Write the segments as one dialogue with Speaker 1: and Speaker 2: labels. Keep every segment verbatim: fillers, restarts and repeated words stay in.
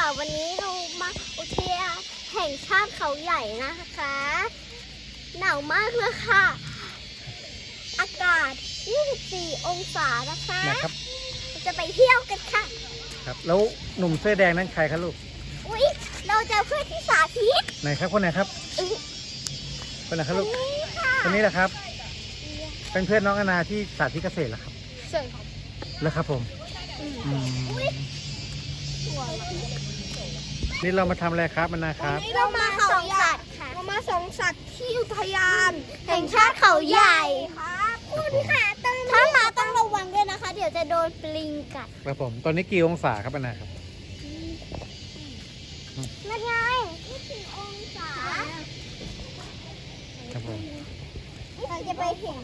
Speaker 1: วันนี้เรามาอุทยานแห่งชาติเขาใหญ่นะคะหนาวมากเลยค่ะอากาศยี่สิบสี่องศานะคะ
Speaker 2: นะครับ
Speaker 1: เราจะไปเที่ยวกันค่ะ
Speaker 2: ครับแล้วหนุ่มเสื้อแดงนั้นใครครับลูก
Speaker 1: อุ๊ยเราเจอเพื่อนที่สาธิต
Speaker 2: ไหนครับคนไหนครับคนไหนครับลูกคนนี้แหละครับเป็นเพื่อนน้องอนาที่สาธิตเกษตรเหรอครับ
Speaker 1: ใช่ครับ
Speaker 2: แล้วครับผมอืมนี่เรามาทำอะไรครับมันนะครับ
Speaker 1: วันนี้เรามาสองสัตว์ค่ะเรามาสองสัตว์ที่อุทยานแห่งชาติเขาใหญ่ครับคุณค่ะถ้ามาต้องระวังด้วยนะคะเดี๋ยวจะโดนปลิงกัด
Speaker 2: ครับผมตอนนี้กี่องศาครับมันนะครับ
Speaker 1: นั่นไงยี่สิบองศา
Speaker 2: ครับผม
Speaker 1: เราจะไปเห็น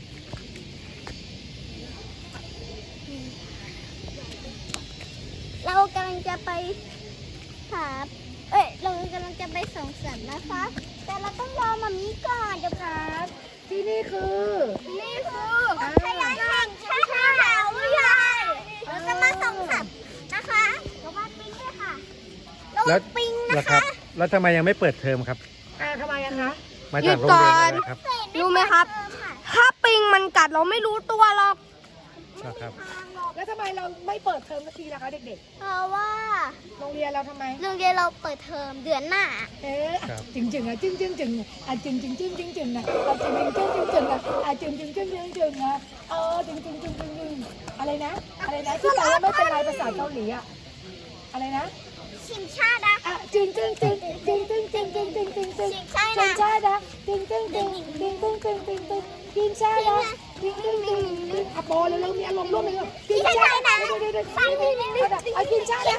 Speaker 1: เรากำลังจะไปหาเอ้ยเรากำลังจะไปส่องสัตว์นะคะแต่เราต้องรอมามีก่อนเดี๋ยวครับ
Speaker 3: ที่นี่คือ
Speaker 1: นี่คืออุทยานแห่งชาติเขาใหญ่เราจะมาส่องสัตว์นะคะระวังปิงด้วยค่ะระวังปิงนะคะ
Speaker 2: แล้วทำไมยังไม่เปิดเทอมครับ
Speaker 3: อ่าทำไมอะคะ
Speaker 2: มาจากโรงเรียนนะครับ
Speaker 1: รู้ไหมครับถ้าปิงมันกัดเราไม่รู้ตัวหรอก
Speaker 2: นะครับ
Speaker 3: แล้วทำไมเราไม่เปิดเทอมสักทีล่ะคะเด็ก
Speaker 1: ๆเพราะว่า
Speaker 3: โรงเรียนเราทำไม
Speaker 1: โรงเรียนเราเปิดเทอมเดือนหน้า
Speaker 3: เอ๊ะจึงจึงอ่ะจึงจึงจึงอ่ะจึงจึงจึงจึงจึงอ่ะจึงจึงจึงจึงจึงอ่ะอ่ะจึงจึงจึงจึงจึงอ่ะเออจึงจึงจึงจึงจึงอะไรนะอะไรนะที่แปลว่าไม่เป็นไรภาษาเกาหลีอ่ะอะไรนะ
Speaker 1: ชิงชาดะ
Speaker 3: อ่ะจึงจึงจึงจึงจึงจึงจึงจึงจึงจึง
Speaker 1: ชิงชา
Speaker 3: จึงชาดะจึงจึงจึงจึงจึงจึงจึงจึงจึงชาดะจึงจึงจึงจึงอ่ะโปเร็วๆมีอารมณ์ร่วมเลยจึงชาดะฟังดีๆอ่ะจึงชาดะ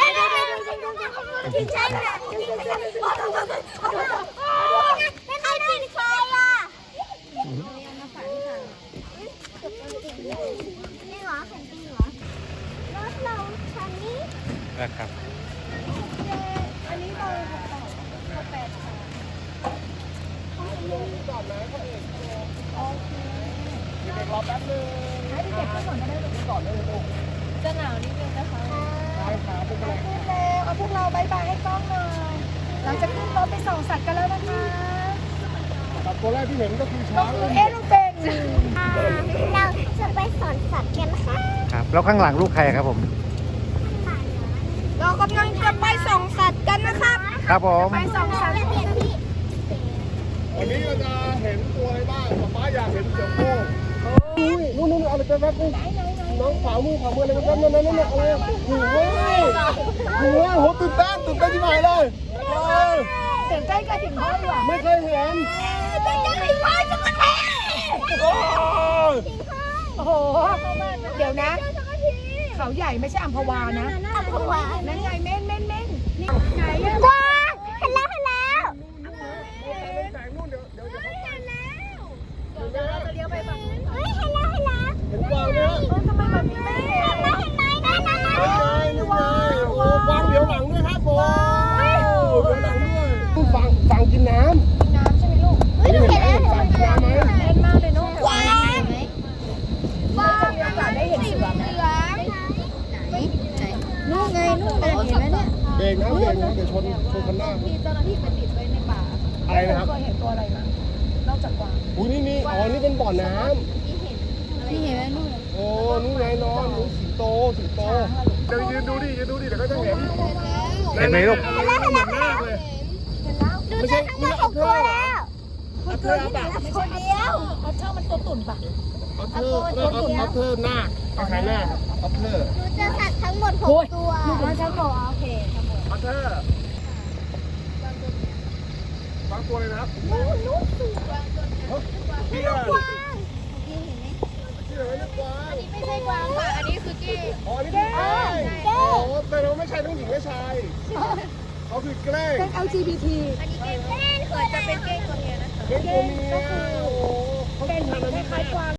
Speaker 1: ชิงชาดะไม่ใครกินใครอ่ะนี่เหรอแผ่นดินเหรอรถเราคันนี้
Speaker 2: นะครับ
Speaker 3: อันนี้เราเขาแปดค่ะก่อนนะเขาเองโอเคเด็กรอแป๊บนึงให้เด็กๆก่อนก็ได้เด็กก่อนเลยลูกจะหนาวนิดนึงนะคะใช่ครับเป็นไรขึ้นแล้วเอาพวกเราบายบายให้กล้องหน่อยเราจะขึ้นรถไปส่องสัตว์กันแล้วนะคะสัตว์ตัวแรกที่เห็นก็คือช้างเอ๊ะลูกเป็น
Speaker 1: เราจะไปสอนสัตว์กันค่ะ
Speaker 2: ครับแล้วข้างหลังลูกใครครับผม
Speaker 1: เรากำลังจะไปส่องสัตว์กันนะครับ
Speaker 2: ครับผม
Speaker 1: ไปส่องสัตว์
Speaker 4: วันนี้เราจะเห็นตัวอะไรบ้างป๊าป๊าอยากเห็นเสือโคร่งอุ้ยนู่นนู่นอะไรแป๊บๆนี่น้องขวามือขวามืออะไรแป๊บๆนั่นนั่นนั่นอะไรหูเว้ยหูเว้ยโหตื่นเต้นตื่นเต้นที่ไหนเลย
Speaker 3: ตื่นเต้นกันถึงห้องว่ะ
Speaker 4: ไม่เคยเห็น
Speaker 1: ตื่นเต้นถึงห้องจังเลย
Speaker 3: โอ้โหเดี๋ยวนะเขาใหญ่ไม่ใช่อัมพวานะ
Speaker 1: อัมพวา
Speaker 3: นั่นไงเม่นเม่นเม่นนี่ไหนอะ
Speaker 1: ว้าเห็นแล้วเห็นแล้ว
Speaker 4: แสงนู่นเดี๋ยวเดี๋ยวเห็นแล้ว
Speaker 3: เดี๋ยวเราจะเลี้ยวไปฝั่งนู้น
Speaker 1: เฮ้ยเห็นแล้วเห็นแล้ว
Speaker 4: เห็นกวางเนี่ย
Speaker 3: ทำไมแบบนี้ไม่เห็น
Speaker 1: เห็นไหมเห็นไหมนั่นนั่นนั่น
Speaker 4: นี่ไงนี่ไงโอ้กวางเดี๋ยวหลังด้วยครับผมเดี๋ยวหลังด้วยฟังฟังกินน้
Speaker 3: ำน้ำใช่ไหมลูก
Speaker 1: เฮ้ยดูเห็นแล้ว
Speaker 4: ฟังกินน้ำไหม
Speaker 3: เล่นมากเลยลูก
Speaker 1: ว้าว
Speaker 3: ว้าวมีโอกาสได้เห็นเสือไหมนู่นไงนู่นเห็นไหมเนี่ย
Speaker 4: เบรกนะเบรกนะเดี๋ยวชนชนคันหน้า
Speaker 3: มีเจ้าหน้าที่ไปติดไว้ในป่า
Speaker 4: อะไรนะครับ
Speaker 3: เคยเห็นตัวอะไรมั้งนอกจากกวาง
Speaker 4: อุ้ยนี่นี่อ๋อนี่เป็นบ่อน้
Speaker 3: ำนี่เห็นไหมนู่น
Speaker 4: โอ้นู่นไงนอนนู่นสิงโตสิงโตเดี๋ยวยืนดูดิยืนดูดิเดี๋ยวก็จะเห็น
Speaker 2: เห็นไหมลูก
Speaker 4: เห็นแล้วเห็นแล้วมากเลย
Speaker 1: ไม่ใช่ไม่ใช่ตัวแล้ว
Speaker 4: อัพเทอร์อัพแบบ
Speaker 1: ไม่ใช่เดียว
Speaker 3: อัพเทอร์มันตัวตุ่นปะ
Speaker 4: อัพเทอร์อัพเทอร์หน้าคล้ายหน้าอัพเทอร์
Speaker 1: ดูเจอสัตว์ทั้งหมดหกตัว
Speaker 3: ลูกมันจะบอกโอเค
Speaker 4: อัพเทอร์บางตัวเลยนะครับ
Speaker 1: ลูกสูง
Speaker 4: พี่อะพี่เห็นไหมพี่เห็นไหมลูกกวาง
Speaker 1: ไม่ใช่กวางค่ะอันนี้คือเก้
Speaker 4: อ๋อนี่คือเก้โอ้แต่เราไม่ใช่ทั้งหญิงและชายเขาคือเก้
Speaker 3: เป็น แอล จี บี ที
Speaker 1: อันนี้เก้เก้เกิดจะเป็นเก้ตัวเมียนะคะ
Speaker 4: เก้ตัวเมียโอ้เขาเป็นพันธุ์อะไร
Speaker 3: คล้ายกวาง